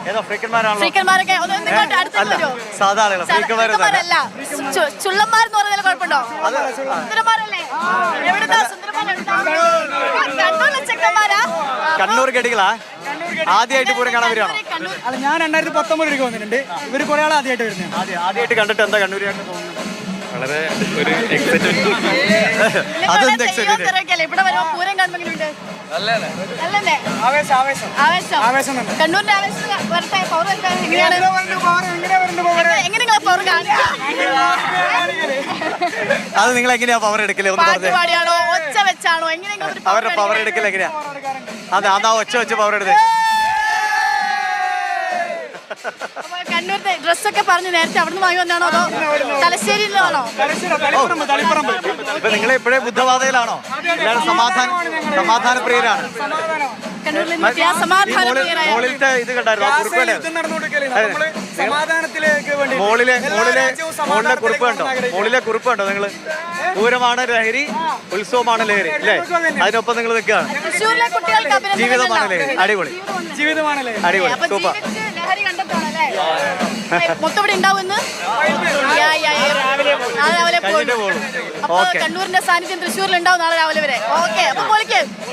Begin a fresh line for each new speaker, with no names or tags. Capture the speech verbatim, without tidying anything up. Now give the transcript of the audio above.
ഏതോ ഫ്രീക്കന്മാരാണോ?
ഫ്രീക്കന്മാരൊക്കെ ഒന്ന് ഇങ്ങോട്ട് അടുത്തേക്ക് വരുമോ?
സാധാ ആളുകൾ
ഫ്രീക്കന്മാരല്ല, ചു- ചുള്ളന്മാരെന്ന് പറഞ്ഞാൽ കുഴപ്പമുണ്ടോ? സുന്ദരന്മാരല്ലേ? എവിടുന്നാ സുന്ദരന്മാർ? കണ്ണൂരിലെ ചെക്കന്മാരാ?
കണ്ണൂർ ഗഡികളാ ആദ്യമായിട്ട് പൂരം കാണാൻ വരികയാണോ?
കണ്ണൂർ
അല്ല, ഞാൻ രണ്ടായിരത്തി പത്തൊമ്പതിലേക്ക് വന്നിട്ടുണ്ട്. ഇവര് കുറെ ആൾ ആദ്യമായിട്ട് വരുന്നത്.
ആദ്യം ആദ്യമായിട്ട് കണ്ടിട്ട് എന്താ കണ്ണൂരിയായിട്ട് തോന്നുന്നത്?
വളരെ ഒരു എക്സൈറ്റ്മെന്റ്.
അതെന്ത് എക്സൈറ്റ്മെന്റ്?
ഇവിടെ വരുമ്പോ പൂരം കാണുമ്പോ എങ്ങനെയുണ്ട്? നല്ലല്ലേ?
ആവേശം ആവേശം
ആവേശം.
ആവേശം തന്നെ.
കണ്ണൂരിന്റെ ആവേശം വരട്ടെ, പവർ വരട്ടെ. എങ്ങനെയാണ്
എങ്ങനെ വരുന്നുണ്ട് power? എങ്ങനെ വരുന്നുണ്ട് power?
എങ്ങനെ നിങ്ങൾ പവർ കാണിക്കുക?
അത് നിങ്ങൾ എങ്ങനെയാ പവർ എടുക്കലേ? ഒന്ന്
പാട്ട്
പറഞ്ഞേ.
പാടിയാണോ ഒച്ച വെച്ചാണോ എങ്ങനെയെങ്കിലും ഒരു power
അവരുടെ പവർ
കാണിക്കുക?
എടുക്കൽ എങ്ങനെയാ? അതെ, അതാ ഒച്ച വെച്ച് പവർ എടുത്തേ.
അപ്പൊ കണ്ണൂരിന്റെ ഡ്രസ്സൊക്കെ പറഞ്ഞ് നേരത്തെ അവിടുന്ന് വാങ്ങി വന്നാണോ അതോ തലശ്ശേരിയിലാണോ?
തലശ്ശേരി, തളിപ്പറമ്പ്, തളിപ്പറമ്പ്.
ഇപ്പൊ നിങ്ങൾ ഇപ്പോഴേ ബുദ്ധവാദയിലാണോ? എല്ലാവരും സമാധാന സമാധാന പ്രിയരാണ്.
സമാധാനം.
കണ്ണൂരിൽ നിന്നെത്തിയ സമാധാന
മോളിൽ-
പ്രിയരായ
മോളിലത്തെ ഇത് കണ്ടായിരുന്നു ആ കുറിപ്പ്
ഗാസയിൽ
കണ്ടായിരുന്നു?
യുദ്ധം നടന്നുകൊണ്ടിരിക്കുകയല്ലേ? നമ്മള് സമാധാനത്തിലേക്ക് വേണ്ടി
മോളിലെ
എല്ലാ
മോളിലെ
രാജ്യവും
മോളിലെ
സമാധാനത്തിലേക്ക്
കുറിപ്പ് കണ്ടോ?
വന്നാഗ്രഹിക്കുന്നു.
മോളിലെ കുറിപ്പ് കണ്ടോ നിങ്ങള്? പൂരമാണ് ലഹരി, ഉത്സവമാണ് ലഹരി അല്ലേ? അതിനൊപ്പം നിങ്ങൾ നിൽക്കുകയാണ്.
തൃശ്ശൂരിലെ കുട്ടികൾക്ക് അഭിനന്ദനങ്ങൾ.
ജീവിതമാണ് ലഹരി. അടിപൊളി
ജീവിതമാണല്ലേ?
അടിപൊളി
അപ്പൊ
സൂപ്പർ.
ജീവിച്ച് ലഹരി കണ്ടെത്താണല്ലേ? മൊത്തം ഇവിടെ ഉണ്ടാവുമെന്ന് യാ, യാ, യാ. നാളെ രാവിലെ പോകും.
കഴിഞ്ഞിട്ടേ പോകുള്ളൂ.
അപ്പൊ
ഓക്കെ.
കണ്ണൂരിന്റെ സാന്നിധ്യം തൃശ്ശൂരിൽ ഉണ്ടാവും നാളെ രാവിലെ വരെ. ഓക്കെ, അപ്പൊ പൊളിക്ക്.